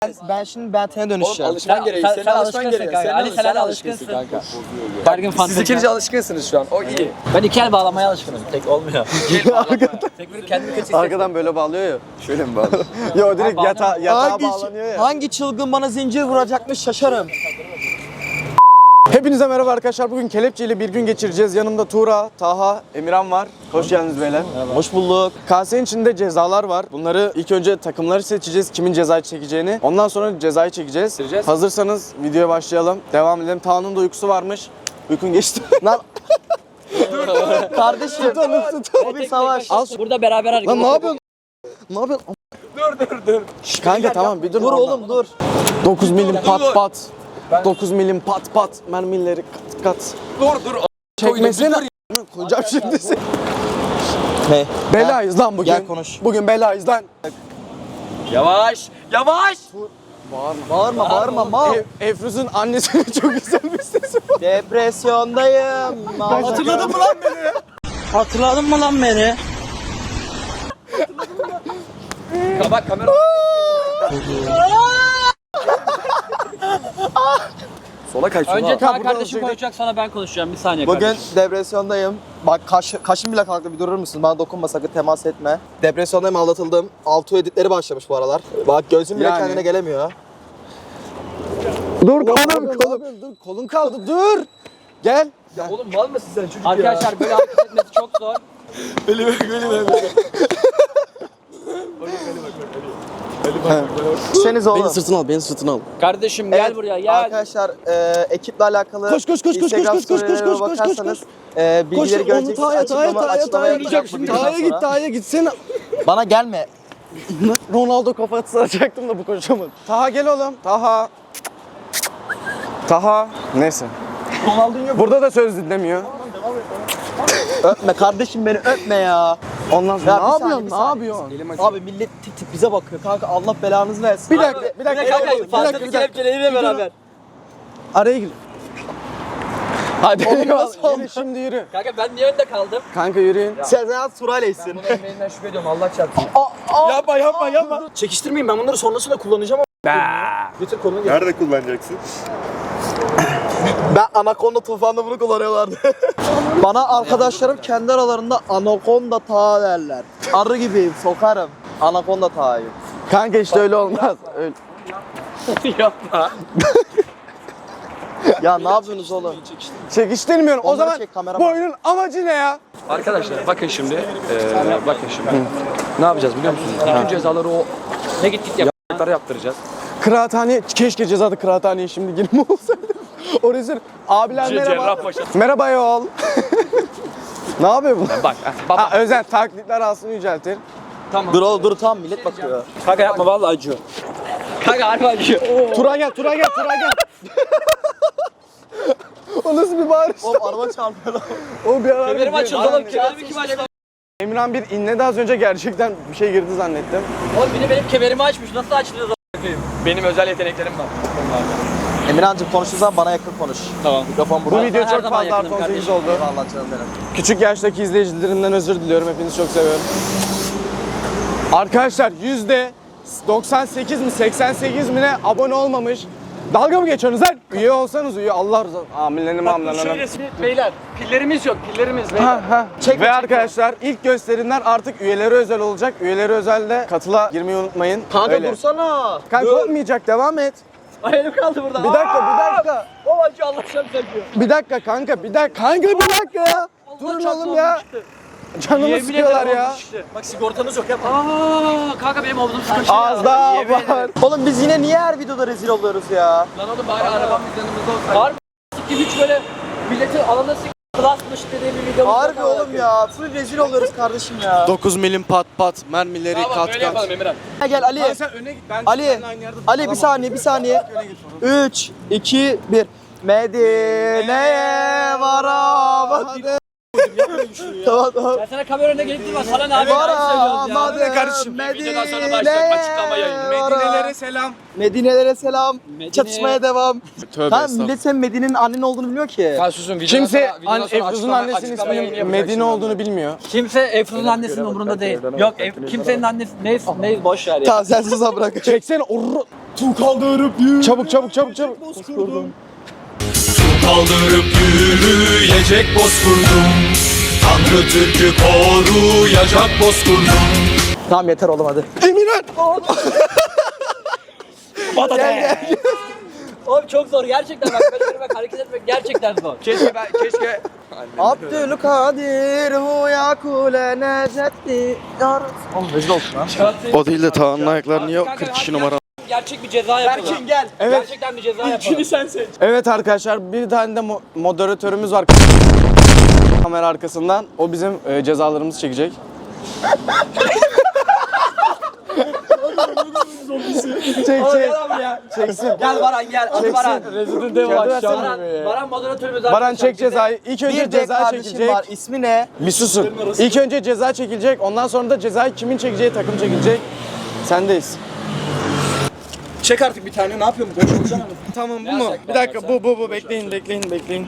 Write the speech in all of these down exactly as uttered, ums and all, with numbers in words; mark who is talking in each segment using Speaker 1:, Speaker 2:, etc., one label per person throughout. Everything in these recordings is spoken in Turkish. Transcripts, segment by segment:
Speaker 1: Ben şimdi Benten'e dönüşeceğim.
Speaker 2: Alışman gereği. Senin alışman gereği.
Speaker 3: Ali sen alışkınsın kanka. Her gün
Speaker 2: Siz
Speaker 3: fantezi.
Speaker 2: ikiniz alışkınsınız şu an. O iyi.
Speaker 3: Ben iki el bağlamaya alışkınım. Tek olmuyor. Tek böyle kendimi kötü
Speaker 4: Arkadan böyle bağlıyor ya.
Speaker 2: Şöyle mi bağlı?
Speaker 4: Yo direkt yata, yatağa
Speaker 1: Hangi,
Speaker 4: bağlanıyor ya.
Speaker 1: hangi çılgın bana zincir vuracakmış şaşarım.
Speaker 4: Hepinize merhaba arkadaşlar. Bugün kelepçe ile bir gün geçireceğiz. Yanımda Tuğra, Taha, Emirhan var. Hoş geldiniz beyler.
Speaker 1: Hoş bulduk.
Speaker 4: Kasenin içinde cezalar var. Bunları ilk önce takımları seçeceğiz. Kimin cezayı çekeceğini. Ondan sonra cezayı çekeceğiz.
Speaker 2: Çekeceğiz.
Speaker 4: Hazırsanız videoya başlayalım. Devam edelim. Taha'nın da uykusu varmış. Uykun geçti.
Speaker 1: Lan kardeşim. O bir savaş.
Speaker 4: Al.
Speaker 3: Burada beraber hareket.
Speaker 4: Lan ne yapıyorsun? Ne yapıyorsun?
Speaker 2: Dur dur dur.
Speaker 4: Şş, kanka tamam bir dur.
Speaker 1: Dur oğlum dur.
Speaker 4: dokuz milim pat pat. dokuz milim pat pat. Mermileri kat kat.
Speaker 2: Dur dur.
Speaker 4: Çekmesene. Koyacağım şimdi seni.
Speaker 1: Ne?
Speaker 4: Belayız lan bugün.
Speaker 1: Gel konuş.
Speaker 4: Bugün belayız lan.
Speaker 2: Yavaş. Yavaş.
Speaker 1: Bağırma bağırma mal.
Speaker 4: Ev, Efruz'un annesinin çok güzel bir sesi var.
Speaker 1: Depresyondayım.
Speaker 4: Hatırladın mı lan beni?
Speaker 1: Hatırladın mı lan beni?
Speaker 2: Bak kamera. Sola kaç.
Speaker 3: Önce
Speaker 4: Kanka,
Speaker 3: Taha
Speaker 4: burada
Speaker 3: kardeşim
Speaker 4: olsaydı-
Speaker 3: konuşacak, sonra ben konuşacağım. Bir saniye
Speaker 1: Bugün
Speaker 3: kardeşim.
Speaker 1: depresyondayım. Bak kaş, kaşım bile kalktı, bir durur musun? Bana dokunma, sakın temas etme. Depresyondayım, aldatıldım. Altu editleri başlamış bu aralar. Bak gözüm bile
Speaker 4: Yani.
Speaker 1: kendine gelemiyor.
Speaker 4: Dur kolum kolum. Dur kolun kaldı dur. Gel.
Speaker 2: Ya oğlum mal mısın sen çocuk
Speaker 3: Arkadaşlar böyle hareket etmesi çok zor.
Speaker 2: Öyle bak öyle bak.
Speaker 1: Düşeniz oğlum.
Speaker 4: Beni sırtına al, beni sırtına al.
Speaker 3: Kardeşim gel
Speaker 1: Evet,
Speaker 3: buraya gel.
Speaker 1: Arkadaşlar e, ekiple alakalı
Speaker 4: Koş, koş, koş, koş,
Speaker 1: Instagram
Speaker 4: koş, koş, koş,
Speaker 1: storylerime
Speaker 4: koş, koş,
Speaker 1: bakarsanız,
Speaker 4: koş.
Speaker 1: E,
Speaker 4: Koş
Speaker 1: bilgileri
Speaker 4: onu
Speaker 1: göreceksiniz.
Speaker 4: Taha'ya, Taha'ya,
Speaker 1: Açıklama,
Speaker 4: Taha'ya,
Speaker 1: açıklamaya
Speaker 4: Taha'ya
Speaker 1: yapacağım bu videodan
Speaker 4: Taha'ya git,
Speaker 1: sonra.
Speaker 4: Taha'ya git. Seni
Speaker 1: Bana gelme.
Speaker 4: Ronaldo kafası atacaktım da bu konuşamadım. Taha gel oğlum. Taha. Taha. Neyse.
Speaker 1: Ronaldinho
Speaker 4: Burada da söz dinlemiyor.
Speaker 1: öpme kardeşim, beni öpme ya.
Speaker 4: Ondan sonra
Speaker 1: Ya
Speaker 4: ne
Speaker 1: bir
Speaker 4: yapıyorsun?
Speaker 1: saniye, bir
Speaker 4: Ne
Speaker 1: saniye.
Speaker 4: yapıyorsun?
Speaker 1: Abi millet tip tip bize bakıyor kanka, Allah belanızı versin.
Speaker 4: Bir dakika, bir dakika.
Speaker 3: Kanka
Speaker 4: Bir dakika, bir
Speaker 3: fantezi
Speaker 4: dakika.
Speaker 3: kelepçeleriyle beraber.
Speaker 4: Araya gir.
Speaker 1: Hadi
Speaker 4: Oğlum
Speaker 1: eyvallah.
Speaker 4: nasıl yürü şimdi yürü.
Speaker 3: Kanka ben niye önde kaldım?
Speaker 4: Kanka yürüyün.
Speaker 1: Sezen Suraleysin.
Speaker 2: Bunun emeğinden şüphe ediyorum Allah çarpsın.
Speaker 4: Yapma yapma yapma.
Speaker 1: Çekiştirmeyin, ben bunları sonrasında kullanacağım ama. Getir kolunu getir.
Speaker 5: Nerede kullanacaksın?
Speaker 1: Ben Anaconda Tufan'da bunu kullanıyorlardı. Bana arkadaşlarım kendi aralarında Anaconda Taha derler. Arı gibiyim, sokarım. Anaconda Taha'yım.
Speaker 4: Kanka işte öyle olmaz. Öyle.
Speaker 3: Yapma.
Speaker 1: Ya ne yapıyorsunuz oğlum?
Speaker 4: Çekiştirmiyorum. O
Speaker 1: Onları
Speaker 4: zaman
Speaker 1: çek, kamera
Speaker 4: bu
Speaker 1: bak.
Speaker 4: oyunun amacı ne ya?
Speaker 2: Arkadaşlar bakın şimdi. Eee bakın şimdi. Ne yapacağız biliyor musunuz? Bütün cezaları o
Speaker 3: Ne git git yap.
Speaker 2: yaptıkları yaptıracağız.
Speaker 4: Kıraathane, keşke cezada kıraathaneye şimdi girme olsaydı. O rezil. Abiler merhaba.
Speaker 2: Cerrahpaşa.
Speaker 4: Merhaba yol. Ne yapıyor bu?
Speaker 2: Bak baba.
Speaker 4: Ha, özel taklitler aslında yüceltir.
Speaker 1: Dur oğlum dur, tam millet bakıyor.
Speaker 3: Kanka yapma vallahi acıyor. Kanka harbi acıyor.
Speaker 4: Tura gel, Tura gel, Tura gel. O nasıl bir bağırış?
Speaker 1: Oğlum araba çarpıyor lan.
Speaker 4: O bir ara.
Speaker 3: Kemerim açıldı oğlum. Kemerimi kim açtı?
Speaker 4: Emirhan bir inledi az önce, gerçekten bir şey girdi zannettim.
Speaker 3: Oğlum biri benim kemerimi açmış. Nasıl açılıyor?
Speaker 2: Benim özel yeteneklerim var.
Speaker 1: Emirhan'cığım konuşursan bana yakın konuş.
Speaker 3: Tamam.
Speaker 1: Mikrofon
Speaker 4: Bu
Speaker 1: burada.
Speaker 4: video
Speaker 3: her
Speaker 4: çok
Speaker 3: zaman
Speaker 4: fazla
Speaker 3: yakınım
Speaker 4: artı on sekiz
Speaker 3: kardeşim.
Speaker 4: oldu.
Speaker 1: Eyvallah canım benim.
Speaker 4: Küçük yaştaki izleyicilerimden özür diliyorum. Hepinizi çok seviyorum. Arkadaşlar yüzde doksan sekiz mi seksen sekiz mi ne abone olmamış. Dalga mı geçiyorsunuz lan? Üye olsanız üye. Allah rızası. Aminlerim amlananım.
Speaker 2: Beyler pillerimiz yok pillerimiz beyler.
Speaker 4: Ha, ha. Ve arkadaşlar ilk gösterimler artık üyelere özel olacak. Üyeleri özelde katıla girmeyi unutmayın.
Speaker 1: Kanka
Speaker 4: Öyle.
Speaker 1: dursana.
Speaker 4: Kanka olmayacak, devam et.
Speaker 3: Ay elim kaldı burada.
Speaker 4: Bir dakika, bir dakika.
Speaker 3: O acı Allah şam çekiyor.
Speaker 4: Bir dakika kanka, bir dakika. Kanka bir dakika ya. Durun oğlum ya. Canımı sıkıyorlar ya.
Speaker 3: Bak sigortanız yok yapma. Aa kanka benim omzum sıkışıyor.
Speaker 4: Az daha var.
Speaker 1: Oğlum biz yine niye her videoda rezil oluyoruz ya?
Speaker 3: Lan oğlum bari arabam biz yanımızda olsaydı. Harbi s**kim hiç böyle milleti alanda s**kim klasmış dediği bir video.
Speaker 1: Harbi oğlum ya. Full rezil oluyoruz kardeşim ya.
Speaker 4: dokuz milim pat pat, mermileri
Speaker 3: Tamam
Speaker 4: kat
Speaker 3: böyle
Speaker 4: kat.
Speaker 3: yapalım Emirhan.
Speaker 1: Gel gel Ali.
Speaker 4: Lan sen öne git, ben
Speaker 1: Ali.
Speaker 4: seninle aynı yerde
Speaker 1: Ali bir
Speaker 4: duramam.
Speaker 1: saniye bir saniye. üç, iki, bir. Medine'ye varamadım. Tamam tamam.
Speaker 3: Ben sana kamera önüne gelip durma. Sana ne abi?
Speaker 1: Varamadım.
Speaker 4: Ne kardeşim?
Speaker 3: Videodan sonra başlayacak açıklama yayını.
Speaker 4: Medinelere selam.
Speaker 1: Medinelere selam.
Speaker 3: Medine-
Speaker 1: Çatışmaya devam.
Speaker 4: Tövbe
Speaker 1: Tamam millet senin Medine'nin annen olduğunu bilmiyor ki.
Speaker 2: Ya susun videodan
Speaker 4: Kimse
Speaker 2: sonra- videodan
Speaker 4: an,
Speaker 2: sonra
Speaker 4: Efruz'un
Speaker 2: açıklama-
Speaker 4: annesinin
Speaker 2: açıklama yayını
Speaker 4: isminin
Speaker 2: yapacak
Speaker 4: Medine
Speaker 2: şimdi
Speaker 4: olduğunu
Speaker 2: onlar.
Speaker 4: bilmiyor.
Speaker 3: Kimse Efruz'un annesinin umurunda değil. Yok Ef- kimsenin annesi ne ne boş ver ya.
Speaker 1: Tamam sen susa bırak.
Speaker 4: Çeksene orru. Su kaldırıp yürü. Çabuk çabuk çabuk çabuk.
Speaker 5: Kaldırıp yürüyecek bozkurdum. Tanrı Türk'ü koruyacak bozkurdum.
Speaker 1: Tamam yeter oğlum hadi.
Speaker 4: Emirhan.
Speaker 1: Gel gel.
Speaker 3: Oğlum çok zor gerçekten bak böyle bak hareket etmek gerçekten zor.
Speaker 2: Keşke ben keşke
Speaker 1: Abdülkadir huya kule necetti. Oğlum rezil olsun ha.
Speaker 4: O değil de Tağ'ın ayakları niye
Speaker 3: Kanka,
Speaker 4: kırk kişi
Speaker 3: hadi
Speaker 4: numara?
Speaker 3: Gerçek bir ceza yapalım.
Speaker 1: Berkin gel.
Speaker 4: Evet.
Speaker 3: Gerçekten bir ceza yapalım.
Speaker 1: sen seç.
Speaker 4: Evet arkadaşlar bir tane de mo- moderatörümüz var. Kamera arkasından. O bizim e, cezalarımızı çekecek. çek çek. Çeksin.
Speaker 3: Gel Baran gel. Hadi Baran.
Speaker 4: Resident Evil aşağı.
Speaker 3: Baran, Baran moderatörümüz
Speaker 4: Baran
Speaker 3: arkadaşlar.
Speaker 4: çek cezayı. İlk önce
Speaker 1: Bir de
Speaker 4: ceza
Speaker 1: kardeşim
Speaker 4: çekilecek.
Speaker 1: var. İsmi ne?
Speaker 4: Bir susun. İlk önce ceza çekilecek. Ondan sonra da cezayı kimin çekeceği takım çekilecek. Sendeyiz.
Speaker 1: Çek artık bir tane. Ne yapıyorsun? Boş boşuna mı?
Speaker 4: Tamam bu mu? Bir dakika bu bu bu bekleyin bekleyin bekleyin.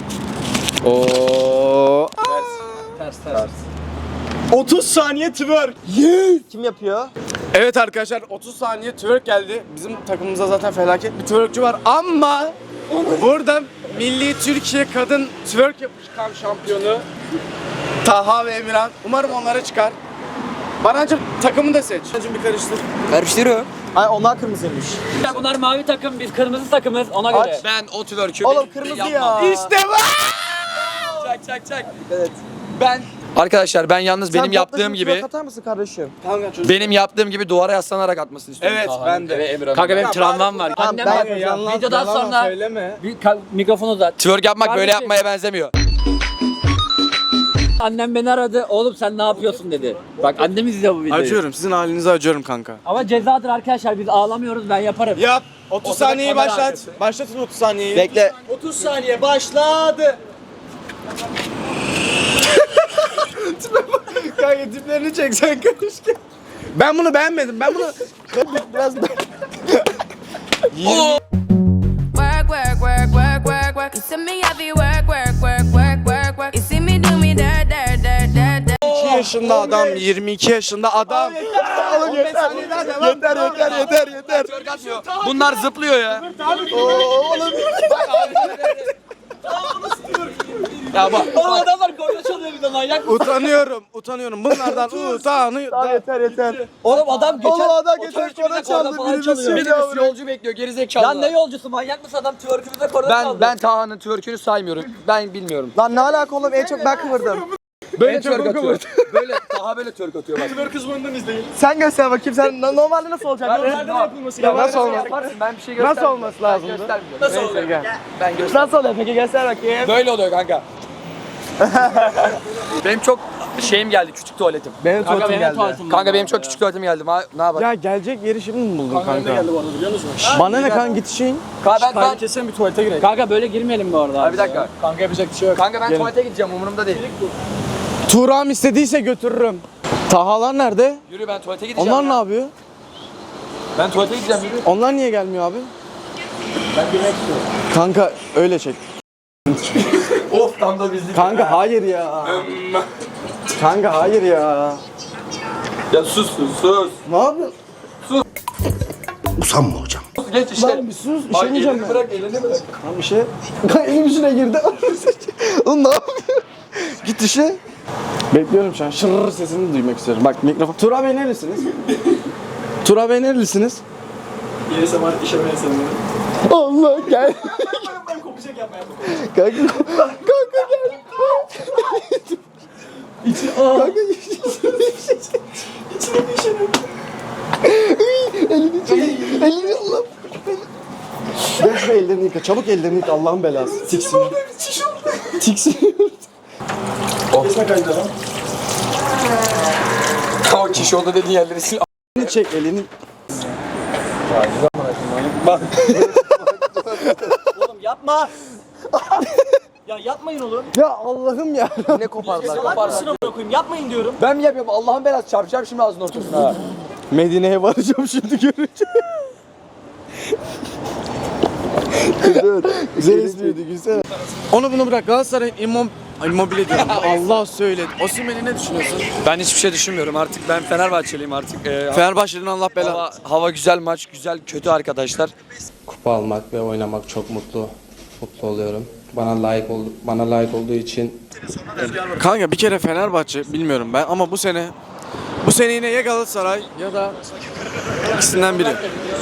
Speaker 4: Oo.
Speaker 3: Ters ters.
Speaker 4: otuz saniye twerk.
Speaker 1: Kim yapıyor?
Speaker 4: Evet arkadaşlar otuz saniye twerk geldi. Bizim takımımızda zaten felaket bir twerkçü var ama burada Milli Türkiye Kadın Twerk Yapışkan Şampiyonu Taha ve Emirhan. Umarım onlara çıkar. Barancım takımını da seç. Barancım bir karıştır.
Speaker 1: Karıştırıyor. Ay onlar kırmızıymış.
Speaker 3: Ya bunlar mavi takım, biz kırmızı takımız ona göre.
Speaker 1: Aç.
Speaker 2: ben o twerk'ü
Speaker 1: Oğlum kırmızı ya.
Speaker 4: İşte bu.
Speaker 2: Çak çak çak.
Speaker 1: Evet.
Speaker 2: Ben Arkadaşlar ben yalnız benim
Speaker 1: Sen
Speaker 2: yaptığım
Speaker 1: topla
Speaker 2: gibi
Speaker 1: şimdi atar mısın kardeşim?
Speaker 4: Kanka çocuk.
Speaker 2: benim yaptığım gibi duvara yaslanarak atmasını istiyorum.
Speaker 4: Evet ben de.
Speaker 3: Kanka benim travmam var.
Speaker 1: Tamam,
Speaker 3: Annem
Speaker 1: ben
Speaker 3: bak,
Speaker 1: yapacağım.
Speaker 4: Yalan-
Speaker 3: videodan
Speaker 4: yalan
Speaker 3: sonra
Speaker 4: söyleme.
Speaker 3: bir ka- mikrofonu uzat.
Speaker 2: Twerk yapmak böyle
Speaker 3: Kardeşim.
Speaker 2: yapmaya benzemiyor.
Speaker 3: Annem beni aradı. Oğlum sen ne yapıyorsun dedi. Bak annem izliyor bu videoyu.
Speaker 4: Acıyorum sizin halinize acıyorum kanka.
Speaker 3: Ama cezadır arkadaşlar. Biz ağlamıyoruz. Ben yaparım.
Speaker 4: Yap. otuz
Speaker 3: Ortada
Speaker 4: saniyeyi
Speaker 3: kamera
Speaker 4: başlat.
Speaker 3: arkası.
Speaker 4: Başlatın otuz saniyeyi.
Speaker 1: Bekle.
Speaker 4: otuz saniye başladı. Kanka tiplerini çeksen keşke. Ben bunu beğenmedim. Ben bunu
Speaker 1: Biraz da.
Speaker 6: Work, work, work, work, work, work. You see me heavy work, work, work, work, work, work. You see me do me dirt, dirt, dirt, dirt, dirt.
Speaker 4: iki yaşında adam, yirmi iki yaşında adam.
Speaker 1: Oğlum yeter. Yeter yeter yeter yeter.
Speaker 2: Bunlar zıplıyor ya.
Speaker 1: Oğlum.
Speaker 2: Ya bak.
Speaker 3: Oğlum adamlar korna çalıyor bir de manyak mı?
Speaker 4: Utanıyorum, utanıyorum. Bunlardan
Speaker 1: Tamam
Speaker 4: utanıyorum.
Speaker 1: yeter yeter.
Speaker 3: Oğlum adam geçen...
Speaker 1: Oğlum adam
Speaker 3: o
Speaker 1: geçen
Speaker 3: twerk'ümüze
Speaker 1: korna çaldı,
Speaker 3: falan
Speaker 1: birimiz
Speaker 3: çalıyor.
Speaker 1: şimdi-
Speaker 2: Birimiz yolcu bekliyor gerizekalı.
Speaker 3: Ya ne yolcusu manyak mısın adam twerk'ümüze korna çaldı.
Speaker 2: Ben ben Taha'nın twerk'ünü saymıyorum. Ben bilmiyorum.
Speaker 1: Lan ne alaka oğlum en çok ben kıvırdım.
Speaker 2: Böyle
Speaker 4: En çok
Speaker 2: twerk
Speaker 4: o
Speaker 2: atıyor. Böyle Taha böyle twerk atıyor bak.
Speaker 1: Sen göster bakayım sen na- normalde nasıl olacak?
Speaker 4: Nereden yapılması
Speaker 1: Ya
Speaker 4: lazım?
Speaker 1: nasıl olmaz?
Speaker 2: Yaparsın ben bir şey
Speaker 4: Nasıl
Speaker 2: göstermiyorum.
Speaker 4: olması lazım?
Speaker 2: Göstermiyorum.
Speaker 4: Nasıl oluyor? Gel.
Speaker 2: Ben göster.
Speaker 1: Nasıl oluyor peki göster bakayım.
Speaker 2: Böyle oluyor kanka. Benim çok şeyim geldi küçük tuvaletim.
Speaker 1: Benim
Speaker 3: Kanka
Speaker 1: tuvaletim
Speaker 3: benim
Speaker 1: geldi.
Speaker 3: tuvaletim var.
Speaker 2: Kanka benim çok küçük tuvaletim geldi. Ma- Ne yapalım?
Speaker 4: Ya gelecek yeri şimdi mi buldun kanka? Kanka geldi bu arada biliyor musun? Bana ne kanka git işin.
Speaker 2: Kanka ben, ben
Speaker 4: kesin bir tuvalete girelim.
Speaker 3: Kanka böyle girmeyelim bu arada.
Speaker 2: Abi bir dakika.
Speaker 4: Kanka yapacak bir şey yok.
Speaker 2: Kanka ben
Speaker 4: Gelin.
Speaker 2: tuvalete gideceğim umurumda değil.
Speaker 4: Tuğra'm istediyse götürürüm. Tahalar nerede?
Speaker 2: Yürü ben tuvalete gideceğim.
Speaker 4: Onlar ne yapıyor?
Speaker 2: Ben tuvalete gideceğim yürü.
Speaker 4: Onlar niye gelmiyor abi? Ben girmek istiyorum. Kanka öyle çek.
Speaker 2: Of tam da bizlik.
Speaker 4: Kanka hayır ya. Kanka hayır ya.
Speaker 2: Ya sus sus sus.
Speaker 4: Ne yapıyorsun?
Speaker 2: Geç işte.
Speaker 4: Lan bir sus bir
Speaker 2: Ay,
Speaker 4: şey diyeceğim
Speaker 2: elini
Speaker 4: ben.
Speaker 2: bırak elini bırak.
Speaker 4: Lan bir şey. Kanka elim içine girdi.
Speaker 1: Oğlum ne yapıyorsun? Git işe.
Speaker 4: Bekliyorum şu an. Şırrrr sesini duymak istiyorum. Bak mikrofon. Tuğra Bey nerelisiniz? Tuğra Bey nerelisiniz?
Speaker 7: Gelirse var işemeye sanırım.
Speaker 1: Allah gel.
Speaker 7: Ben kopacak yapma yapma.
Speaker 1: Kanka kanka gel. Kanka
Speaker 7: İçine bir işemem.
Speaker 1: elini çek. Elini Allah. Gel şuraya ellerini yıka. Çabuk ellerini yıka Allah'ın belası. Tiksin. Tiksin.
Speaker 7: Kesme kaydı lan.
Speaker 2: O kişi oldu dediğin yerleri sil.
Speaker 4: Elini çek elini.
Speaker 3: Oğlum yapma. Ya yapmayın oğlum.
Speaker 4: Ya Allah'ım ya.
Speaker 1: Ne kopardılar?
Speaker 3: Salak mısın amına koyayım? Yapmayın diyorum.
Speaker 2: Ben mi yapıyorum? Allah'ın belası çarpacağım şimdi ağzının ortasına.
Speaker 4: Medine'ye varacağım şimdi görünce.
Speaker 1: Dur.
Speaker 4: Güzel espriydi güzel. Onu bunu bırak. Galatasaray'ın imam Immobile diyorum. Allah söyledi. Osimhen'i ne düşünüyorsun?
Speaker 2: Ben hiçbir şey düşünmüyorum artık. Ben Fenerbahçeliyim artık. Ee,
Speaker 4: Fenerbahçe'nin Allah belanı.
Speaker 2: hava, hava güzel, maç güzel, kötü arkadaşlar.
Speaker 8: Kupa almak ve oynamak çok mutlu mutlu oluyorum. Bana layık oldu, bana layık olduğu için
Speaker 4: Kanka bir kere Fenerbahçe bilmiyorum ben ama bu sene bu sene yine ya Galatasaray ya da ikisinden biri.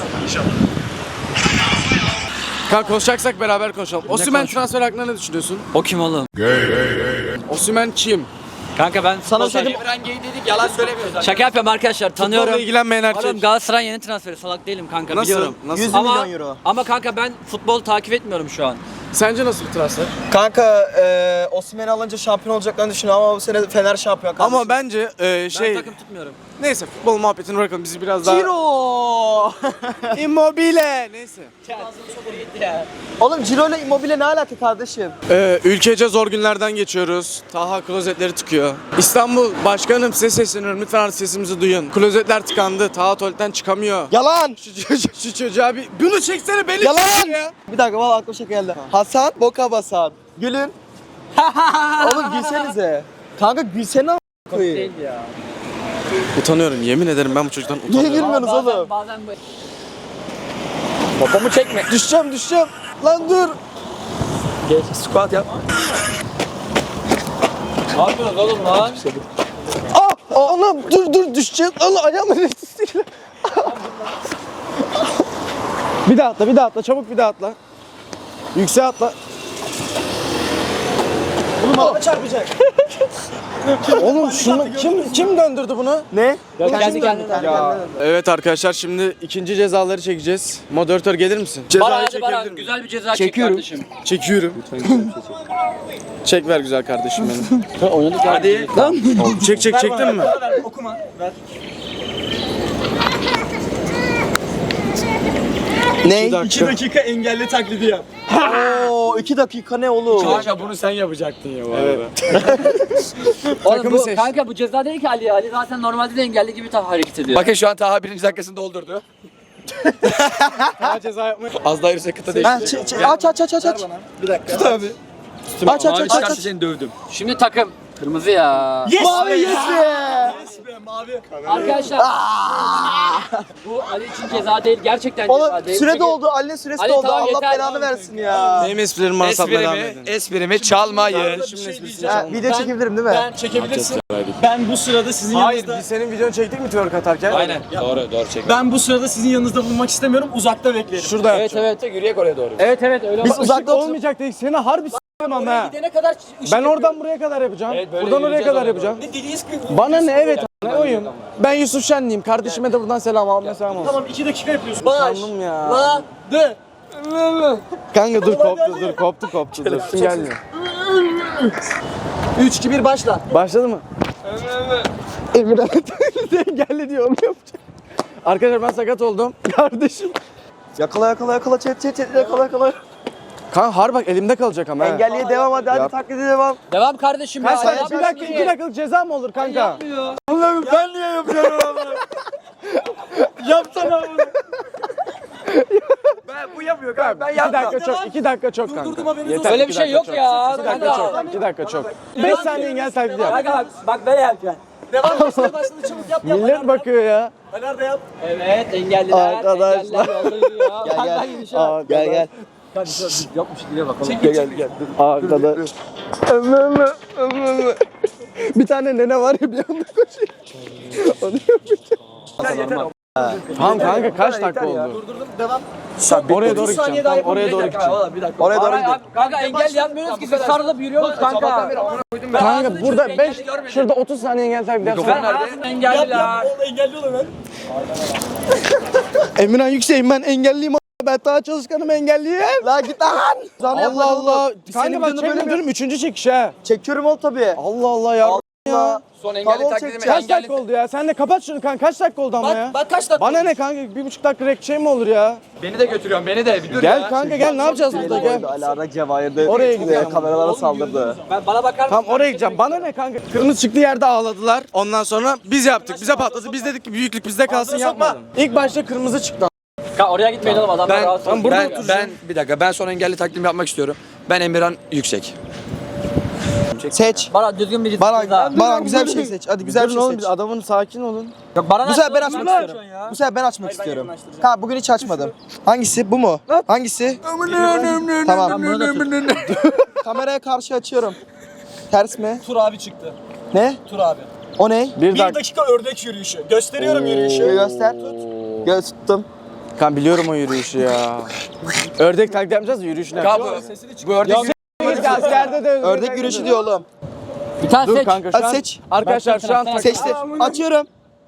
Speaker 4: Kanka konuşacaksak beraber konuşalım. Osimhen transfer hakkında ne düşünüyorsun?
Speaker 3: O kim oğlum?
Speaker 4: Osimhen kim?
Speaker 3: Kanka ben
Speaker 1: Sana bir şey diyeyim.
Speaker 2: Emran Gey dedik, yalan söylemiyoruz.
Speaker 3: şaka yapıyorum arkadaşlar, tanıyorum.
Speaker 4: Futbolla ilgilenmeyen
Speaker 3: Oğlum
Speaker 4: erkek.
Speaker 3: Galatasaray yeni transferi, salak değilim kanka,
Speaker 4: Nasıl?
Speaker 3: biliyorum.
Speaker 4: Nasıl?
Speaker 1: yüz
Speaker 3: Ama,
Speaker 1: milyon euro.
Speaker 3: ama kanka ben futbol takip etmiyorum şu an.
Speaker 4: Sence nasıl bir transfer?
Speaker 1: Kanka e, Osimhen'i alınca şampiyon olacaklarını düşünüyorum ama bu sene Fener şampiyon kardeşim.
Speaker 4: Ama bence e, şey
Speaker 3: Ben takım tutmuyorum.
Speaker 4: neyse futbol muhabbetini bırakalım bizi biraz daha
Speaker 1: Ciro!
Speaker 4: Immobile neyse.
Speaker 1: Oğlum Ciro ile Immobile ne alaka kardeşim?
Speaker 4: Ee, ülkece zor günlerden geçiyoruz. Taha klozetleri tıkıyor. İstanbul başkanım size sesleniyorum. Lütfen artık sesimizi duyun. Klozetler tıkandı. Taha tuvaletten çıkamıyor.
Speaker 1: Yalan!
Speaker 4: Şu, çocuğa- şu çocuğa bir... Bunu çeksene beni
Speaker 1: Yalan!
Speaker 4: çek ya.
Speaker 1: Bir dakika valla aklıma şey geldi. Hasan, Boka Basan. Gülün. Oğlum gülsenize. Kanka gülsene a**ına koyayım.
Speaker 3: Değil ya.
Speaker 4: Utanıyorum. Yemin ederim ben bu çocuktan
Speaker 1: Niye
Speaker 4: utanıyorum.
Speaker 1: gülmüyorsunuz
Speaker 3: Bazen,
Speaker 1: oğlum?
Speaker 3: bazen bu...
Speaker 1: Babamı çekme. Düşeceğim düşeceğim. Lan dur.
Speaker 2: Geç, squat yap.
Speaker 3: Ne yapıyorsun oğlum lan?
Speaker 1: Ah! Oğlum dur dur düşeceğim. Allah ayağımın üstüne.
Speaker 4: Bir daha atla, bir daha atla. Çabuk bir daha atla. Yükseğe atla.
Speaker 1: Oğlum araba çarpacak.
Speaker 4: Oğlum şunu kim kim döndürdü bunu?
Speaker 1: Ne?
Speaker 3: Kendi kendine.
Speaker 4: Evet arkadaşlar şimdi ikinci cezaları çekeceğiz. Moderatör gelir misin?
Speaker 3: Bana
Speaker 4: Cezayı
Speaker 3: hadi
Speaker 4: çekebilir
Speaker 3: bana
Speaker 4: miyim?
Speaker 3: güzel bir ceza
Speaker 1: Çekiyorum.
Speaker 3: çek kardeşim.
Speaker 4: Çekiyorum. Çek ver güzel kardeşim benim.
Speaker 2: Hadi.
Speaker 4: Çek çek çektin mi?
Speaker 7: Okuma. Ver.
Speaker 1: Ne?
Speaker 4: Bir dakika.
Speaker 7: iki dakika engelli taklidi yap.
Speaker 1: Oo iki dakika ne oğlum?
Speaker 2: Kanka bunu sen yapacaktın ya bu arada.
Speaker 3: Oğlum
Speaker 4: Takımı
Speaker 3: bu,
Speaker 4: seç.
Speaker 3: kanka bu ceza değil ki Ali. Ali zaten normalde de engelli gibi ta- hareket ediyor.
Speaker 2: Bakın şu an Taha birinci dakikasını doldurdu.
Speaker 4: Daha ceza yapmayı.
Speaker 2: Az daha yürüse kıta
Speaker 1: Ha,
Speaker 2: değişti.
Speaker 1: ç- ç- aç aç aç aç aç.
Speaker 7: Bir dakika.
Speaker 1: Tut abi. Aç aç
Speaker 2: Mavi
Speaker 1: aç aç.
Speaker 2: çıkarsa
Speaker 1: aç.
Speaker 2: seni dövdüm.
Speaker 3: Şimdi takım. Kırmızı ya.
Speaker 7: Yes
Speaker 1: Mavi
Speaker 7: be
Speaker 1: yes be.
Speaker 7: Yes be mavi.
Speaker 3: Arkadaşlar. Bu Ali için ceza değil. Gerçekten ceza
Speaker 1: Oğlum
Speaker 3: değil.
Speaker 1: süre
Speaker 3: Çünkü-
Speaker 1: doldu. Ali'nin süresi
Speaker 3: Ali,
Speaker 1: doldu.
Speaker 3: tamam,
Speaker 1: Allah
Speaker 3: yeter.
Speaker 1: belanı versin ya.
Speaker 4: Benim esprilerimi bana satmaya devam
Speaker 2: Esprimi,
Speaker 4: edin.
Speaker 2: esprimi çalmayın.
Speaker 1: Ha, video çekebilirim değil mi?
Speaker 7: Ben çekebilirsin. Ben bu sırada sizin
Speaker 4: Hayır
Speaker 7: yanınızda...
Speaker 4: biz senin videonu çektik mi twerk atarken?
Speaker 2: Aynen. Doğru, doğru çek.
Speaker 7: Ben bu sırada sizin yanınızda bulunmak istemiyorum. Uzakta beklerim.
Speaker 4: Şurada
Speaker 3: Evet
Speaker 4: yapacağım.
Speaker 3: evet.
Speaker 2: Yürüyek oraya doğru.
Speaker 3: Evet evet öyle
Speaker 1: Biz
Speaker 3: olmaz.
Speaker 1: uzakta otur.
Speaker 4: Olmayacak değil. Seni harbi s**tim ama ha.
Speaker 7: Gidene kadar ışık
Speaker 4: Ben oradan buraya kadar yapacağım.
Speaker 2: Evet, böyle
Speaker 4: Buradan oraya
Speaker 2: yürüyeceğiz
Speaker 4: kadar
Speaker 2: oraya
Speaker 4: yapacağım.
Speaker 7: Ne dediğiniz gibi.
Speaker 4: Bana ne evet ne oyun. Ben Yusuf Şenliyim. Kardeşime de buradan selam almaya selam olsun.
Speaker 7: Tamam iki dakika yapıyorsun.
Speaker 4: Sandım ya.
Speaker 7: La. De.
Speaker 4: Kanka dur koptu dur koptu koptu dur. Kim gelmiyor?
Speaker 1: üç iki bir başla.
Speaker 4: Başladı mı? Emirhan engelli diyor onu yapacak. Arkadaşlar ben sakat oldum. Kardeşim.
Speaker 1: Yakala yakala yakala çet çet çet yakala yakala.
Speaker 4: Kanka har bak elimde kalacak ama ha.
Speaker 1: Engelliye devam hadi hadi
Speaker 4: Yap.
Speaker 1: taklidi devam.
Speaker 3: Devam kardeşim ya.
Speaker 4: Kaç saniye?
Speaker 3: Yapma
Speaker 4: Bir dakika
Speaker 3: şimdi.
Speaker 4: iki dakikalık ceza mı olur kanka?
Speaker 3: Yapmıyor.
Speaker 4: Allah'ım ben niye yapıyorum onu? Yapsana bunu.
Speaker 2: Ben bu yapıyor kanka. Ben
Speaker 4: İki dakika çok, iki dakika çok kanka.
Speaker 7: Durdurdum, haberiniz
Speaker 4: Yeter,
Speaker 3: Öyle
Speaker 4: iki
Speaker 3: bir şey
Speaker 4: dakika
Speaker 3: yok
Speaker 4: çok.
Speaker 3: ya.
Speaker 4: İki dakika
Speaker 3: Kanka.
Speaker 4: çok, iki dakika çok. Beş saniye engel taklidi yap.
Speaker 3: Kanka bak, bak böyle yapacaksın.
Speaker 7: Devam başladı başladı çabuk yap yap.
Speaker 4: Millet bakıyor ya.
Speaker 7: Nerede yap?
Speaker 3: Evet engelliler.
Speaker 1: Arkadaşlar.
Speaker 3: Engelliler yolluyor.
Speaker 1: Gel
Speaker 3: Kanka
Speaker 1: gel.
Speaker 3: gidişe
Speaker 1: Aa, gel gel.
Speaker 3: Yokmuş diye bakalım.
Speaker 1: Gel gel gel.
Speaker 4: Arkadaş. Ömrümü, ömrümü. Bir tane nene var ya bir anda koşuyor. Onu yapacağım. Tamam kanka kaç dakika oldu?
Speaker 7: Durdurdum devam.
Speaker 4: Oraya doğru gideceğim. Tamam, oraya doğru gideceğim.
Speaker 1: Oraya doğru
Speaker 3: Kanka,
Speaker 1: gidelim.
Speaker 3: kanka engel yapmıyoruz ki biz sarılıp yürüyoruz kanka.
Speaker 4: Kanka burada beş, şurada otuz saniye engel taklidi
Speaker 3: Ben
Speaker 4: yapsana.
Speaker 3: hayatımda
Speaker 7: Yap
Speaker 3: engelliler.
Speaker 7: yap. Oğlum engelli ol hemen.
Speaker 4: Emirhan Yüksek'im ben engelliyim. Ben daha çalışkanım engelliyim.
Speaker 1: La git lan. Zana
Speaker 4: Allah Allah. Kanka
Speaker 1: Senin
Speaker 4: bak
Speaker 1: videonu
Speaker 4: çekme
Speaker 1: böyle
Speaker 4: diyorum üçüncü çekiş ha.
Speaker 1: Çekiyorum oğlum tabii.
Speaker 4: Allah Allah ya.
Speaker 1: Allah.
Speaker 2: Son
Speaker 1: Kabul
Speaker 2: engelli taklidimi
Speaker 1: çekeceğim.
Speaker 4: Kaç dakika oldu ya? Sen de kapat şunu kanka. Kaç dakika oldu ama ya?
Speaker 7: Bak bak kaç dakika.
Speaker 4: Bana ne kanka? Bir buçuk dakika rek şey mi olur ya?
Speaker 2: Beni de götürüyorsun, beni de. Bir dur
Speaker 4: Gel
Speaker 2: ya.
Speaker 4: kanka gel ne yapacağız burada gel.
Speaker 1: Alara Cevahir'de
Speaker 4: Oraya gidiyorum.
Speaker 1: kameralara saldırdı.
Speaker 3: Ben, bana bakar mısın?
Speaker 4: Tamam oraya gideceğim. Bana ne kanka? Kırmızı çıktığı yerde ağladılar. Ondan sonra biz yaptık. Bize patladı. Biz dedik ki büyüklük bizde kalsın yapma. İlk başta kırmızı çıktı.
Speaker 3: Kanka oraya gitmeyin oğlum adamlar
Speaker 2: Ben,
Speaker 3: rahatsız
Speaker 2: ben,
Speaker 3: oluyor.
Speaker 2: ben, bir dakika ben son engelli taklidimi yapmak istiyorum. Ben Emirhan Yüksek. çek.
Speaker 1: Seç.
Speaker 3: Bana düzgün bir
Speaker 1: Baran,
Speaker 3: ceza.
Speaker 1: Baran güzel bir şey seç. Hadi güzel bir şey
Speaker 8: oğlum
Speaker 1: seç.
Speaker 8: biz adamın sakin olun.
Speaker 3: Yok, Baran
Speaker 1: Bu sefer ben
Speaker 3: açma,
Speaker 1: açmak
Speaker 3: Baran
Speaker 1: istiyorum.
Speaker 3: açıyorsun ya.
Speaker 1: Bu sefer ben açmak istiyorum. Ha bugün hiç açmadım. Hangisi? Bu mu? Hangisi? Tamam.
Speaker 3: Bunu da tut.
Speaker 1: Kameraya karşı açıyorum. Ters mi?
Speaker 7: Tur abi çıktı.
Speaker 1: Ne?
Speaker 7: Tur abi.
Speaker 1: O ne?
Speaker 8: Bir
Speaker 7: Bir
Speaker 8: dakika.
Speaker 7: dakika ördek yürüyüşü. Gösteriyorum yürüyüşü.
Speaker 1: Göster. Göz tuttum.
Speaker 8: Kan biliyorum o yürüyüşü ya. Ördek taklit yapacağız da yürüyüşünü
Speaker 2: Ya
Speaker 8: yapacağız.
Speaker 2: bu, bu ördek
Speaker 8: Askerde de
Speaker 1: Ördek yürüyüşü diyor oğlum.
Speaker 3: Bir tane
Speaker 8: Dur
Speaker 3: seç.
Speaker 8: kanka şu
Speaker 1: Hadi
Speaker 8: an.
Speaker 1: seç.
Speaker 8: Arkadaşlar şu an
Speaker 3: Seç.
Speaker 1: Seçti. Açıyorum.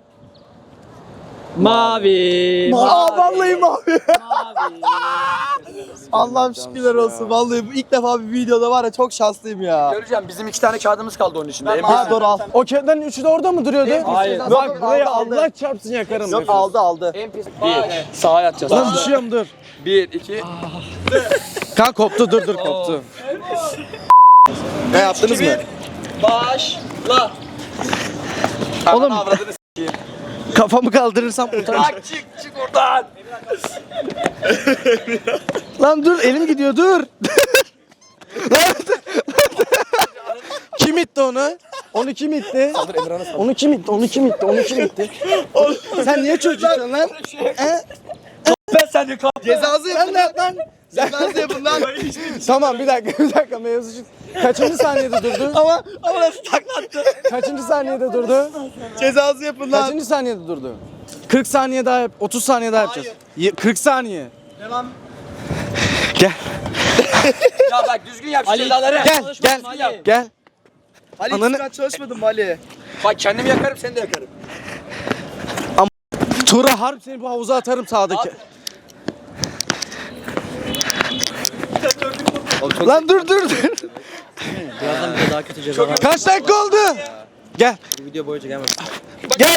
Speaker 3: Mavi.
Speaker 1: Aa vallahi mavi. Allah'ım şükürler olsun. Vallahi bu ilk defa bir videoda var ya çok şanslıyım ya.
Speaker 2: göreceğim. Bizim iki tane kağıdımız kaldı onun içinde.
Speaker 1: Ha doğru al.
Speaker 8: O kağıtların üçü de orada mı duruyordu?
Speaker 1: Hayır.
Speaker 8: Bak buraya
Speaker 1: Aldı, aldı.
Speaker 8: Allah çarpsın yakarım.
Speaker 1: Yok aldı aldı.
Speaker 2: Bir. Sağa yatacağız.
Speaker 8: Lan düşüyorum dur.
Speaker 2: Bir, iki.
Speaker 8: Kan koptu dur dur koptu.
Speaker 1: Ne yaptınız mı?
Speaker 7: Başla.
Speaker 8: Oğlum kafamı kaldırırsam utanç.
Speaker 2: Çık çık oradan.
Speaker 8: Lan dur elim gidiyor dur. Lan. Kim itti onu? Onu kim itti? Onu kim itti? Onu kim itti? Onu kim itti? Sen niye çocuksun lan? He?
Speaker 2: Ben seni kal.
Speaker 1: Cezası yapın lan. lan. Cezası yapın lan.
Speaker 8: Tamam bir dakika bir dakika mevzu şu. Kaçıncı saniyede durdu?
Speaker 1: Ama ama nasıl taklattı?
Speaker 8: Kaçıncı saniyede durdu?
Speaker 1: Cezası yapın lan.
Speaker 8: Kaçıncı saniyede durdu? kırk saniye daha yap. otuz saniye daha yapacağız. Ye- kırk saniye.
Speaker 7: Devam.
Speaker 8: Gel.
Speaker 2: Ya bak düzgün yap şu
Speaker 3: Ali,
Speaker 2: cezaları.
Speaker 8: Gel gel
Speaker 3: Ali.
Speaker 8: gel.
Speaker 1: Ali
Speaker 8: Ananı-
Speaker 1: hiç ben çalışmadım mı Ali?
Speaker 2: Bak kendimi yakarım seni de yakarım.
Speaker 8: Tura harp seni bu havuza atarım sağdaki. Lan dur dur dur.
Speaker 3: Birazdan bir de daha kötü ceza var.
Speaker 8: Kaç dakika oldu? Gel.
Speaker 3: Bu video boyunca gelmez.
Speaker 8: Gel.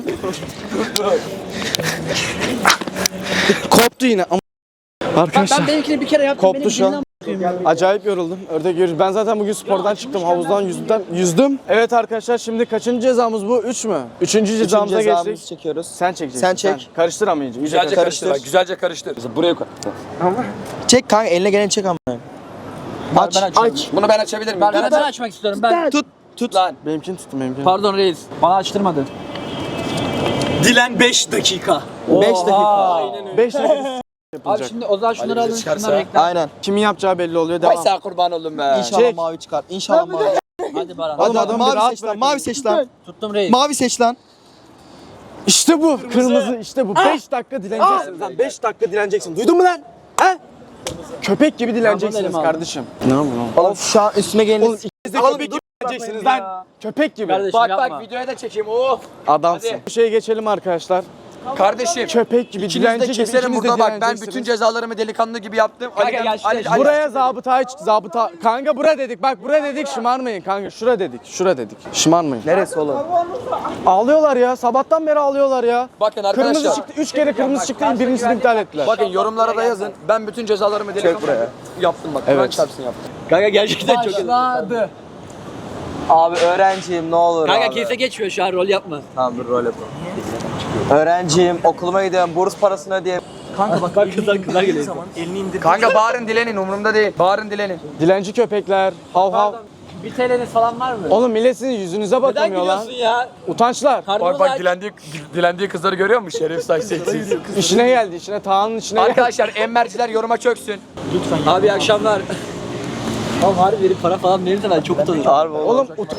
Speaker 8: Koptu yine. Ama- Arkadaşlar
Speaker 3: Ben benimkini bir kere yaptım.
Speaker 8: koptu şu an. Acayip yoruldum. Ördek yürüyüş. Ben zaten bugün spordan çıktım. Havuzdan yüzdüm. yüzdüm. Evet arkadaşlar şimdi kaçıncı cezamız bu? Üç mü? Üçüncü cezamıza
Speaker 1: Cezamızı
Speaker 8: geçtik.
Speaker 1: çekiyoruz.
Speaker 8: Sen çekeceksin.
Speaker 1: Sen çek.
Speaker 8: Karıştır ama iyice. iyice
Speaker 2: Güzelce
Speaker 8: karıştır.
Speaker 2: karıştır. Bak, güzelce karıştır. Buraya koy.
Speaker 1: Çek kanka eline gelen çek ama. Aç.
Speaker 3: Ben açıyorum.
Speaker 1: Aç.
Speaker 2: Bunu ben açabilir miyim?
Speaker 3: Ben,
Speaker 2: Ben
Speaker 3: ben,
Speaker 2: açayım.
Speaker 3: açmak istiyorum. Ben
Speaker 1: Tut. Tut.
Speaker 2: Lan.
Speaker 8: Benimkini tuttum benimkini.
Speaker 3: Pardon reis. Bana açtırmadı.
Speaker 7: Dilen beş dakika.
Speaker 1: beş dakika.
Speaker 8: beş dakika
Speaker 3: Abi
Speaker 8: yapılacak.
Speaker 3: şimdi o zaman şunları alın.
Speaker 2: çıkarsa-
Speaker 3: Şunları bekle.
Speaker 1: Aynen.
Speaker 8: Kimin yapacağı belli oluyor.
Speaker 2: Vay
Speaker 8: Devam.
Speaker 2: sağ kurban oldum be.
Speaker 1: İnşallah
Speaker 8: Çek.
Speaker 1: mavi çıkar. İnşallah mavi.
Speaker 3: Hadi Baran.
Speaker 8: Oğlum
Speaker 1: Hadi
Speaker 8: adamı bir
Speaker 1: mavi
Speaker 8: rahat
Speaker 1: seç lan.
Speaker 8: bırakın.
Speaker 1: Mavi seç lan.
Speaker 3: Tuttum reis.
Speaker 1: Mavi seç lan.
Speaker 8: İşte bu. Kırmızı işte bu. beş dakika dileneceksin lan. beş dakika dileneceksin. Duydun mu lan? He? Köpek gibi dileneceksiniz
Speaker 3: elime
Speaker 8: kardeşim. Ne yapıyorsun?
Speaker 1: Oğlum şu an üstüme gelin.
Speaker 8: Oğlum ikiniz de köpek gibi dileneceksiniz lan. Köpek gibi.
Speaker 3: Kardeşim
Speaker 2: Bak
Speaker 3: yapma.
Speaker 2: bak videoya da çekeyim. Of.
Speaker 8: Adamsın.
Speaker 2: Hadi.
Speaker 8: Bir şeye geçelim arkadaşlar.
Speaker 2: Kardeşim.
Speaker 8: Köpek gibi
Speaker 2: İkiniz de
Speaker 8: dilenci gibi
Speaker 2: keserim
Speaker 8: ikiniz de
Speaker 2: burada bak. Ben
Speaker 8: dileneceksiniz.
Speaker 2: bütün cezalarımı delikanlı gibi yaptım.
Speaker 3: Kanka
Speaker 2: Ali,
Speaker 3: gel şuraya,
Speaker 2: Ali, Ali,
Speaker 8: Buraya zabıta zabıta kanka bura dedik bak bura dedik şımarmayın kanka şura dedik şura dedik şımarmayın.
Speaker 1: Neresi oğlum?
Speaker 8: Ağlıyorlar ya sabahtan beri ağlıyorlar ya.
Speaker 2: Bakın
Speaker 8: Kırmızı
Speaker 2: arkadaşlar.
Speaker 8: çıktı üç kere kırmızı çıktı birincisini iptal ettiler.
Speaker 2: Bakın yorumlara da yazın. Ben bütün cezalarımı delikanlı gibi yaptım bak.
Speaker 8: Evet.
Speaker 2: Kur'an çarpsın yaptım.
Speaker 3: Kanka gerçekten çok iyi. Başladı.
Speaker 1: Abi öğrenciyim ne olur
Speaker 3: Kanka
Speaker 1: abi.
Speaker 3: keyfe geçmiyor şu an rol yapma.
Speaker 1: Tamam dur rol yapalım. Öğrenciyim, okuluma gidiyorum, burs parasını ödeyeyim.
Speaker 3: Kanka bak bak kızlar kızlar geliyor.
Speaker 2: Kanka bağırın dilenin umurumda değil. Bağırın dilenin.
Speaker 8: Dilenci köpekler hav hav.
Speaker 3: Bir T L'niz falan var mı?
Speaker 8: Oğlum millet sizin yüzünüze
Speaker 3: Neden
Speaker 8: bakamıyor lan.
Speaker 3: gülüyorsun ya?
Speaker 8: Utançlar.
Speaker 3: Karnımız
Speaker 2: Bak bak
Speaker 3: aç.
Speaker 2: dilendiği, dilendiği kızları görüyor musun? Şeref sayısetsiz.
Speaker 8: İşine geldi işine Tağ'ın içine geldi.
Speaker 2: Arkadaşlar emmerciler yoruma çöksün.
Speaker 3: Abi iyi akşamlar. Oğlum harbi verip para falan verirse ben çok utanırım.
Speaker 1: Harbi oğlum.
Speaker 8: Oğlum ut-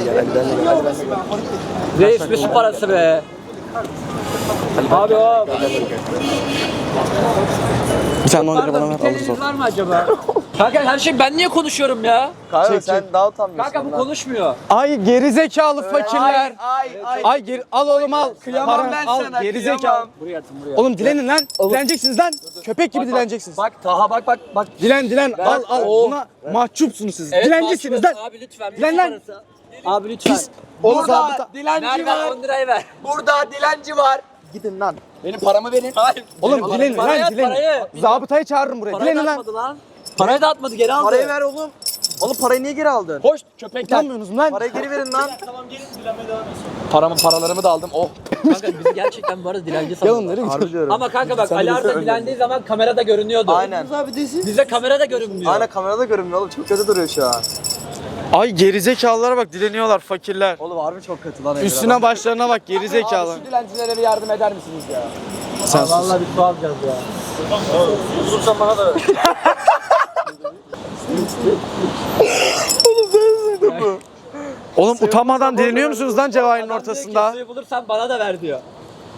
Speaker 3: Reis bir su parası be. Abi o.
Speaker 8: bir tane on lira bana
Speaker 3: Pardon bir
Speaker 8: ver
Speaker 3: T
Speaker 8: alırız
Speaker 3: L'niz
Speaker 8: o.
Speaker 3: var mı acaba? Kanka her şey ben niye konuşuyorum ya?
Speaker 1: Kanka
Speaker 8: Çek,
Speaker 1: sen
Speaker 8: çek.
Speaker 1: daha utanmıyorsun.
Speaker 3: Kanka bu
Speaker 1: lan.
Speaker 3: konuşmuyor.
Speaker 8: Ay gerizekalı fakirler.
Speaker 1: Ay ay.
Speaker 8: Ay geri al oğlum al.
Speaker 2: Kıyamam
Speaker 8: Para,
Speaker 2: ben
Speaker 8: al,
Speaker 2: sana,
Speaker 8: gerizekalı.
Speaker 2: kıyamam.
Speaker 3: Buraya atın buraya.
Speaker 8: Oğlum dilenin lan. Dileneceksiniz lan. Köpek gibi dileneceksiniz.
Speaker 2: Bak Taha bak bak bak.
Speaker 8: Dilen dilen al al. Buna mahcupsunuz siz. Dilencisiniz lan.
Speaker 3: Abi lütfen. bir
Speaker 8: Dilen
Speaker 3: su
Speaker 8: lan.
Speaker 3: parası. Abi lütfen.
Speaker 8: Oğlum
Speaker 2: Burada
Speaker 8: zabıta.
Speaker 2: dilenci
Speaker 3: Ver ver
Speaker 2: var.
Speaker 3: on lirayı ver.
Speaker 2: Burada dilenci var.
Speaker 1: Gidin lan.
Speaker 2: Benim paramı verin. Hayır.
Speaker 8: Oğlum dilenin
Speaker 3: Parayı
Speaker 8: lan
Speaker 3: at,
Speaker 8: dilenin.
Speaker 3: parayı.
Speaker 8: Zabıtayı çağırırım buraya.
Speaker 3: Parayı
Speaker 8: Dilenin
Speaker 3: da
Speaker 8: lan.
Speaker 3: atmadı lan. Parayı da atmadı geri aldı.
Speaker 1: Parayı ver oğlum. Oğlum parayı niye geri aldın?
Speaker 2: Hoş köpekler.
Speaker 8: Utanmıyorsunuz lan.
Speaker 1: Parayı geri verin lan.
Speaker 2: Paramı paralarımı da aldım. Oh.
Speaker 3: Kanka bizi gerçekten bu arada dilenci
Speaker 8: Gel
Speaker 3: sanıyorlar.
Speaker 8: onları
Speaker 1: Harbi
Speaker 8: gidiyor.
Speaker 1: diyorum.
Speaker 3: Ama kanka bak Ali Arda dilendiği zaman kamerada görünüyordu.
Speaker 1: Aynen.
Speaker 3: Bize kamerada görünmüyor.
Speaker 1: Aynen kamerada görünmüyor oğlum. Çok kötü duruyor şu an.
Speaker 8: Ay gerizekalılara bak dileniyorlar fakirler.
Speaker 1: Oğlum harbi çok kötü lan.
Speaker 8: Üstüne başlarına bak gerizekalı.
Speaker 3: Şu dilencilere bir yardım eder misiniz ya?
Speaker 8: Sen sus.
Speaker 3: Vallahi bir su alacağız ya. Bulursan bana da ver.
Speaker 8: Oğlum utanmadan dileniyor musunuz lan Cevahir'in ortasında?
Speaker 3: Suyu bulursan bana da ver diyor.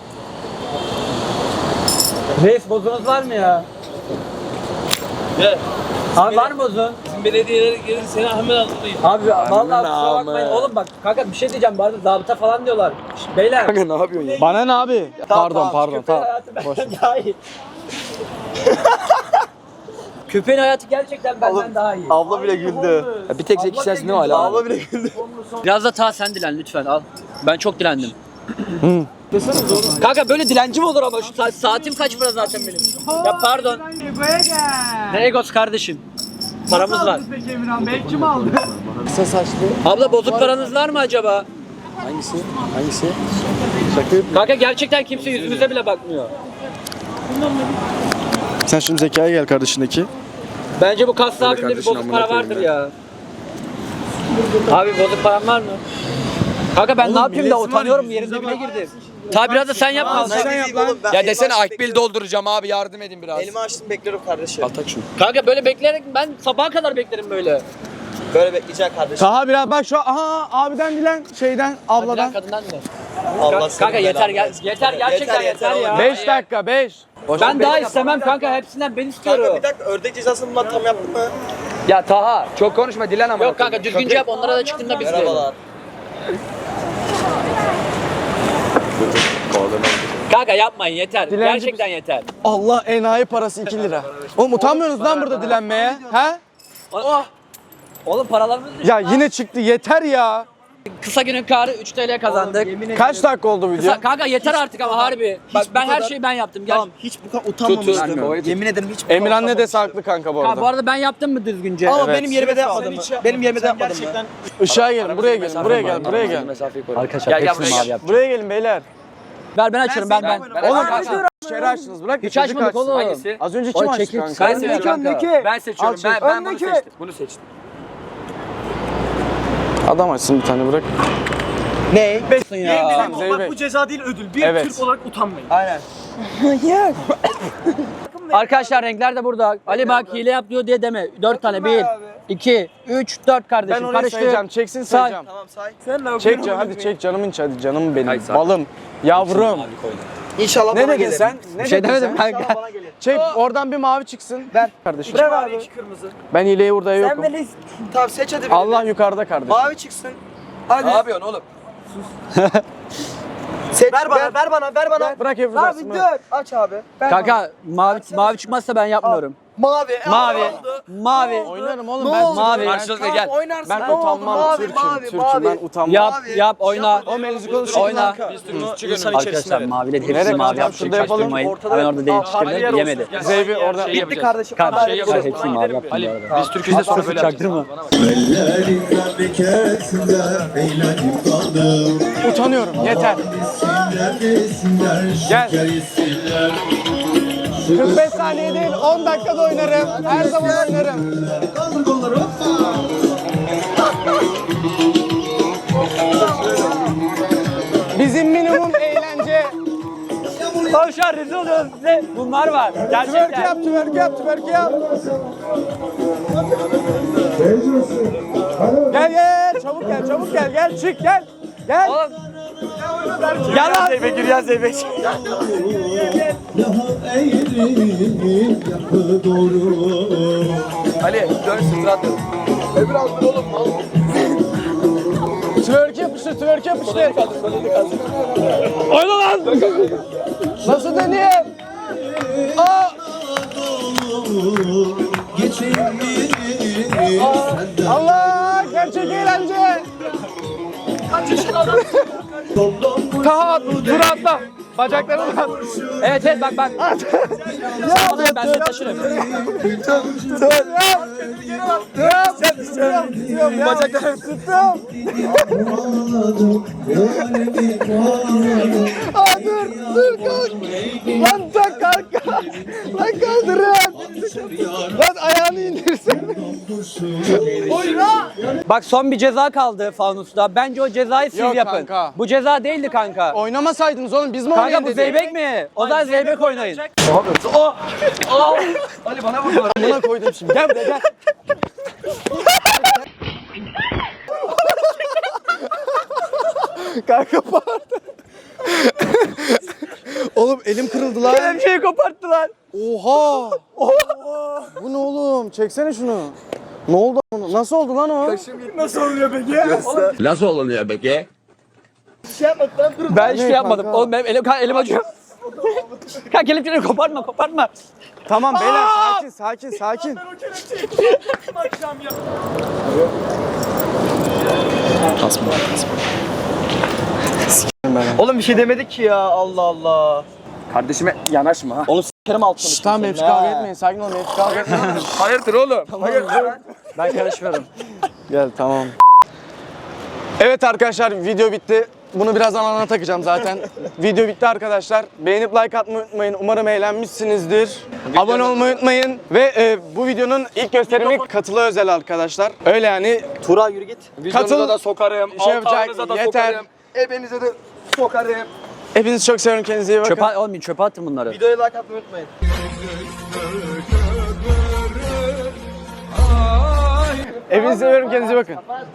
Speaker 3: Reis bozunuz var mı ya? Gel. Abi var mı bozun? Bizim belediyeler gelir seni hemen hazırlayayım. Abi vallahi kusura bakmayın. Oğlum bak kanka bir şey diyeceğim. Bu arada zabıta falan diyorlar. Şş, beyler.
Speaker 8: Kanka ne yapıyorsun ya? Bana ne abi? Pardon pardon tamam. Boş ver.
Speaker 3: Daha iyi. Köpeğin hayatı gerçekten benden daha iyi.
Speaker 1: Abla bile güldü.
Speaker 2: Ya bir tek zeki sensin değil mi hala?
Speaker 1: Abla bile güldü.
Speaker 3: Biraz da ta sen dilen lütfen al. Ben çok dilendim. Kanka böyle dilenci mi olur ama şu saat, saatim kaç para zaten benim? Ya pardon. Ne egos kardeşim? Paramız var.
Speaker 7: Peki Emirhan Bey kim aldı?
Speaker 8: Kısa saçlı.
Speaker 3: Abla bozuk paranız var mı acaba?
Speaker 8: Hangisi? Hangisi?
Speaker 3: Kanka gerçekten kimse yüzümüze bile bakmıyor.
Speaker 8: Sen şimdi Zeka'ya gel kardeşindeki.
Speaker 3: Bence bu kaslı abimde bir bozuk para vardır ya. Abi bozuk param var mı? Kanka ben ne yapayım da utanıyorum yerin dibine girdim. Tabi biraz da sen yap kalsın.
Speaker 1: Sen yap oğlum. Ben
Speaker 2: Ya desene akbil dolduracağım abi yardım edin biraz.
Speaker 1: Elimi açtım bekliyorum kardeşim.
Speaker 2: Al tak şunu.
Speaker 3: Kanka böyle bekleyerek ben sabaha kadar beklerim böyle.
Speaker 1: Böyle bekleyecek kardeşim.
Speaker 8: Taha biraz bak şu aha abiden dilen şeyden abladan.
Speaker 3: Abladan kadından ne?
Speaker 1: Allah
Speaker 3: Kanka yeter gel yeter gerçekten yeter, ya.
Speaker 8: beş dakika beş.
Speaker 3: Ben daha istemem kanka hepsinden ben istiyorum.
Speaker 1: Kanka bir dakika ördek cezasını bunlar tam yaptın mı?
Speaker 3: Ya Taha.
Speaker 2: Çok konuşma dilen ama.
Speaker 3: Yok kanka düzgünce yap onlara da çıktığında biz de.
Speaker 1: Merhabalar.
Speaker 3: Kanka yapmayın yeter.
Speaker 8: Dilenci
Speaker 3: Gerçekten yeter.
Speaker 8: Allah enayi parası iki lira. Oğlum utanmıyorsunuz lan burada dilenmeye. He?
Speaker 3: Oh. Oğlum paralarımız
Speaker 8: Ya yine çıktı yeter ya.
Speaker 3: kısa günün karı üç TL kazandık.
Speaker 8: Kaç dakika oldu video?
Speaker 3: Kısa, kanka yeter artık ama harbi. Bak ben her şeyi ben yaptım. Gel.
Speaker 1: Tamam hiç bu kadar utanmamıştım.
Speaker 2: Tut, tut.
Speaker 1: Yemin ederim hiç bu kadar
Speaker 8: Emirhan ne
Speaker 1: utanmamıştım.
Speaker 8: dese haklı kanka bu
Speaker 3: Ha, bu
Speaker 8: arada.
Speaker 3: arada ben yaptım mı düzgünce?
Speaker 1: Ama
Speaker 8: Evet.
Speaker 1: benim yerime de yapmadım mı? Benim yerime de yapmadım mı?
Speaker 8: Işığa gelin buraya gelin buraya gel buraya gel.
Speaker 2: Mesafeyi koy.
Speaker 3: Arkadaşlar
Speaker 2: Gel, gel,
Speaker 3: hepsini
Speaker 2: buraya
Speaker 3: mavi
Speaker 2: gel.
Speaker 3: yapacağım.
Speaker 8: Buraya gelin beyler.
Speaker 3: Ver ben açarım ben ben.
Speaker 2: Ben-
Speaker 8: Oğlum
Speaker 2: kanka.
Speaker 8: içeri açtınız bırak.
Speaker 3: Hiç
Speaker 8: çocuk
Speaker 3: açmadık
Speaker 8: açsın.
Speaker 3: oğlum.
Speaker 2: Hangisi?
Speaker 8: Az önce kim
Speaker 3: Oy,
Speaker 8: açtı
Speaker 3: çekil.
Speaker 8: kanka?
Speaker 3: Ben
Speaker 2: seçiyorum
Speaker 3: seçiyorum
Speaker 2: kanka. Ben seçiyorum.
Speaker 8: Al, çek.
Speaker 2: Ben, ben bunu
Speaker 8: Öndeki.
Speaker 2: seçtim. Bunu seçtim.
Speaker 8: Adam açsın bir tane bırak.
Speaker 1: Ne?
Speaker 8: Tamam, Zeybek.
Speaker 7: Bak bu ceza değil ödül. Bir
Speaker 8: Evet.
Speaker 7: Türk olarak utanmayın.
Speaker 1: Aynen.
Speaker 3: Arkadaşlar renkler de burada. Ali bak hile yap diyor diye deme. Dört tane. Bir, iki, üç, dört
Speaker 8: Ben
Speaker 3: kardeşim.
Speaker 8: orayı
Speaker 3: Karıştır.
Speaker 8: sayacağım. Çeksin
Speaker 3: Say.
Speaker 8: sayacağım.
Speaker 1: Tamam say.
Speaker 8: Çek can hadi çek canımın içi hadi canım benim.
Speaker 2: Hayır, say.
Speaker 8: Balım. Yavrum.
Speaker 1: İnşallah
Speaker 8: Ne
Speaker 1: bana
Speaker 8: dedin
Speaker 1: gelir.
Speaker 8: sen? Ne
Speaker 3: Bir şey
Speaker 8: dedin
Speaker 3: demedim
Speaker 8: sen?
Speaker 3: kanka.
Speaker 1: Bana gelir.
Speaker 8: Çek oradan bir mavi çıksın. Ver kardeşim.
Speaker 1: Bırak abi. İki kırmızı.
Speaker 8: Ben hileyi burada
Speaker 1: Sen
Speaker 8: yokum.
Speaker 1: beni... Tamam seç hadi. birini.
Speaker 8: Allah yukarıda kardeşim.
Speaker 1: Mavi çıksın. Hadi.
Speaker 2: Ne yapıyorsun oğlum?
Speaker 1: Seç. Ver bana, ver bana, ver bana.
Speaker 8: Bırak hep
Speaker 1: Abi dur. Aç abi. Ver bana.
Speaker 3: Kanka mavi mavi çıkmazsa ben yapmıyorum.
Speaker 1: Mavi.
Speaker 3: Mavi.
Speaker 1: Ne oldu?
Speaker 3: Mavi.
Speaker 8: Oynarım oğlum
Speaker 1: Ne
Speaker 8: ben.
Speaker 1: oldu?
Speaker 3: Mavi.
Speaker 2: Karşılıklı
Speaker 1: Tamam,
Speaker 2: gel.
Speaker 1: oynarsın.
Speaker 8: Ben
Speaker 1: Ne oldu?
Speaker 8: utanmam
Speaker 1: Mavi,
Speaker 8: Türk'üm.
Speaker 1: mavi,
Speaker 8: Türk'üm
Speaker 1: mavi.
Speaker 8: ben utanmam.
Speaker 3: Yap
Speaker 1: Mavi.
Speaker 3: yap oyna.
Speaker 8: O mevzu konuşalım.
Speaker 3: Oyna.
Speaker 7: İnsan
Speaker 3: Arkadaşlar mavileri hepsini
Speaker 8: Nereye
Speaker 3: mavi
Speaker 8: kaçacağım?
Speaker 3: yaptık.
Speaker 8: Şurada yapalım.
Speaker 3: Çaktırmayın.
Speaker 1: Ortada-
Speaker 3: Ben orada değiştirdim. Yemedi.
Speaker 8: Zeybi orada.
Speaker 2: Şey
Speaker 1: Bitti
Speaker 2: yapacağız.
Speaker 1: kardeşim.
Speaker 3: Kanka
Speaker 1: Hadi.
Speaker 2: şey
Speaker 3: şey
Speaker 2: yapacağız.
Speaker 3: hepsini mavi yaptım.
Speaker 2: Ali,
Speaker 3: bu arada.
Speaker 2: biz Türk'üzde sonra böyle
Speaker 3: Çaktırma.
Speaker 8: Utanıyorum. Yeter. Gel. kırk beş saniye değil on dakikada oynarım. Her zaman oynarım. Bizim minimum eğlence.
Speaker 3: Tavşan rezil oluyoruz. Ne? Bunlar var.
Speaker 8: Twerk
Speaker 3: Gerçekten.
Speaker 8: yap, twerk yap, twerk yap. Gel gel, çabuk gel, çabuk gel, gel çık gel. Gel.
Speaker 3: Oğlum.
Speaker 8: Gel lan. Zeybek, gir ya Zeybek.
Speaker 2: Ali dön sırtına at.
Speaker 8: Twerk yapıştır, twerk yapıştır. Oyna lan. Nasıl döneyim? Aa. Aa, Allah, gerçek eğlence. Taha dur atla. Bacaklarını at.
Speaker 3: Evet evet bak bak. Sen ben seni taşırım.
Speaker 8: Bacaklarını tuttum. Aa dur dur kalk. Lan tak kalk. Lan kaldırın. Lan ayağını indirsin.
Speaker 3: Bak son bir ceza kaldı fanusta. Bence o cezayı siz
Speaker 8: Yok
Speaker 3: yapın.
Speaker 8: kanka.
Speaker 3: Bu ceza değildi kanka.
Speaker 8: Oynamasaydınız oğlum biz mi
Speaker 3: Kanka
Speaker 8: oynayın
Speaker 3: bu
Speaker 8: dedik?
Speaker 3: zeybek mi? O zaman zeybek oynayın.
Speaker 8: Buna koydum şimdi. Gel buraya gel. Kanka pardon. Oğlum elim kırıldı lan.
Speaker 3: Bir şeyi koparttılar.
Speaker 8: Oha. Oha. Bu ne oğlum? Çeksene şunu. Ne oldu onu? Nasıl oldu lan o?
Speaker 2: Nasıl olunuyor peki?
Speaker 3: Ben hiçbir şey
Speaker 8: Ne
Speaker 3: yapmadım.
Speaker 8: kanka?
Speaker 3: Oğlum benim elim, kanka elim acıyor. Kanka kelepçeleri kopartma kopartma.
Speaker 8: Tamam beyler sakin sakin sakin.
Speaker 1: Oğlum bir şey demedik ki ya Allah Allah.
Speaker 2: Kardeşime yanaşma ha.
Speaker 1: Onu s**kerim altını.
Speaker 8: Şşş tamam hepsi kavga etmeyin sakin olun hepsi kavga etmeyin.
Speaker 2: Hayırdır oğlum?
Speaker 3: Ben karışmıyorum.
Speaker 8: Gel tamam. Evet arkadaşlar video bitti. Bunu birazdan alana takacağım zaten. Video bitti arkadaşlar. Beğenip like atmayı unutmayın. Umarım eğlenmişsinizdir. Abone olmayı unutmayın. Ve e, bu videonun ilk gösterimi katıla özel arkadaşlar. Öyle yani.
Speaker 1: Tura yürü git.
Speaker 2: Videonuza da sokarım.
Speaker 8: Şey yapacak,
Speaker 2: altağınıza da
Speaker 8: yeter.
Speaker 2: sokarım. Ebenize de sokarım.
Speaker 8: Hepinizi çok seviyorum. Kendinize iyi bakın.
Speaker 3: Çöpe, oğlum çöpe attın bunları.
Speaker 1: Videoya like atmayı unutmayın.
Speaker 8: Hepinizi seviyorum. Kendinize iyi bakın.